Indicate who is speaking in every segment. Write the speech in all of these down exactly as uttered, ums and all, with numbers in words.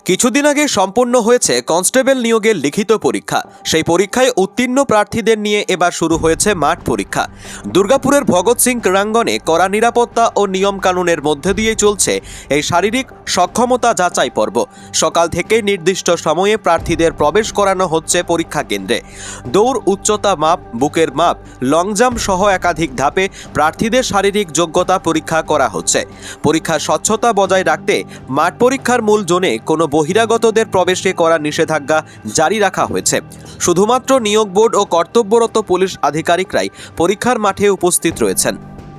Speaker 1: কিছুদিন আগে সম্পন্ন হয়েছে কনস্টেবল নিয়োগের লিখিত পরীক্ষা। সেই পরীক্ষায় উত্তীর্ণ প্রার্থীদের নিয়ে এবার শুরু হয়েছে মাঠ পরীক্ষা। দুর্গাপুরের ভগৎ সিং ক্রীড়াঙ্গনে কড়া নিরাপত্তা ও নিয়মকানুনের মধ্যে দিয়ে চলছে এই শারীরিক সক্ষমতা যাচাই পর্ব। সকাল থেকে নির্দিষ্ট সময়ে প্রার্থীদের প্রবেশ করানো হচ্ছে পরীক্ষা কেন্দ্রে। দৌড়, উচ্চতা মাপ, বুকের মাপ, লং জাম্প সহ একাধিক ধাপে প্রার্থীদের শারীরিক যোগ্যতা পরীক্ষা করা হচ্ছে। পরীক্ষার স্বচ্ছতা বজায় রাখতে মাঠ পরীক্ষার মূল জোনে কোনো বহিরাগতদের প্রবেশে করা নিষেধাজ্ঞা জারি রাখা হয়েছে। শুধুমাত্র নিয়োগ বোর্ড ও কর্তব্যরত পুলিশ আধিকারিকরাই পরীক্ষার মাঠে উপস্থিত রয়েছেন।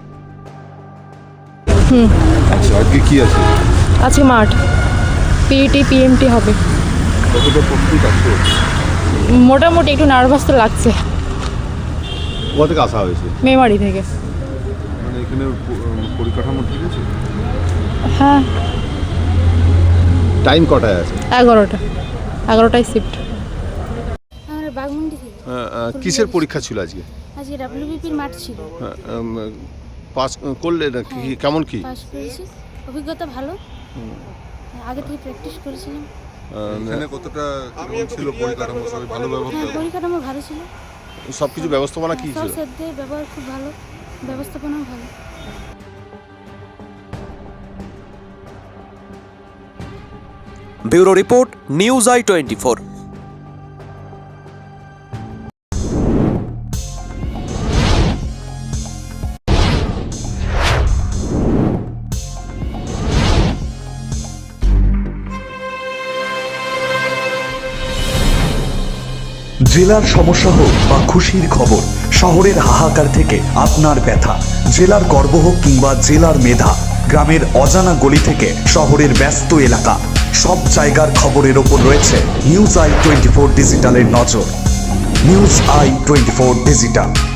Speaker 2: হুম
Speaker 3: আচ্ছা, আজকে কি আছে?
Speaker 2: আজকে মাঠ পিইটি পিএমটি হবে।
Speaker 3: কতটা প্রস্তুত আছো?
Speaker 2: মোটামুটি একটু নার্ভাস তো লাগছে।
Speaker 3: কোথা থেকে আসা হয়েছে?
Speaker 2: মেমারি থেকে।
Speaker 3: মানে এখানে প- পরিকাঠামো ঠিক আছে?
Speaker 2: হ্যাঁ,
Speaker 3: টাইম কটায় আছে?
Speaker 2: এগারোটা এগারোটায় শিফট।
Speaker 4: আমরা বাগমুন্ডি থেকে।
Speaker 3: কিসের পরীক্ষা ছিল আজকে?
Speaker 4: আজকে ডাব্লিউবিপির মাঠ ছিল।
Speaker 3: পাস করলে না কি?
Speaker 4: হ্যাঁ।
Speaker 3: কেমন কি?
Speaker 4: পাস করেছি, অভিজ্ঞতা ভালো। আগে থেকে প্র্যাকটিস করেছিলাম।
Speaker 3: এখানে কতটা কেমন ছিল পরিকাঠামো? সবাই ভালো ব্যবহার
Speaker 4: হ্যাঁ, পরিকাঠামো ভালো ছিল।
Speaker 3: সব কিছু ব্যবস্থাপনা কি
Speaker 4: সব
Speaker 3: ছিল?
Speaker 4: সাথে ব্যবহার খুব ভালো, ব্যবস্থাপনাও ভালো।
Speaker 1: Bureau report, news I twenty four.
Speaker 5: জেলার সমস্যা হোক বা খুশির খবর, শহরের হাহাকার থেকে আপনার ব্যথা, জেলার গর্ব হোক কিংবা জেলার মেধা, গ্রামের অজানা গলি থেকে শহরের ব্যস্ত এলাকা, সব জায়গার খবরের ওপর রয়েছে নিউজ আই টোয়েন্টি ফোর ডিজিটালের নজর। News I twenty four digital.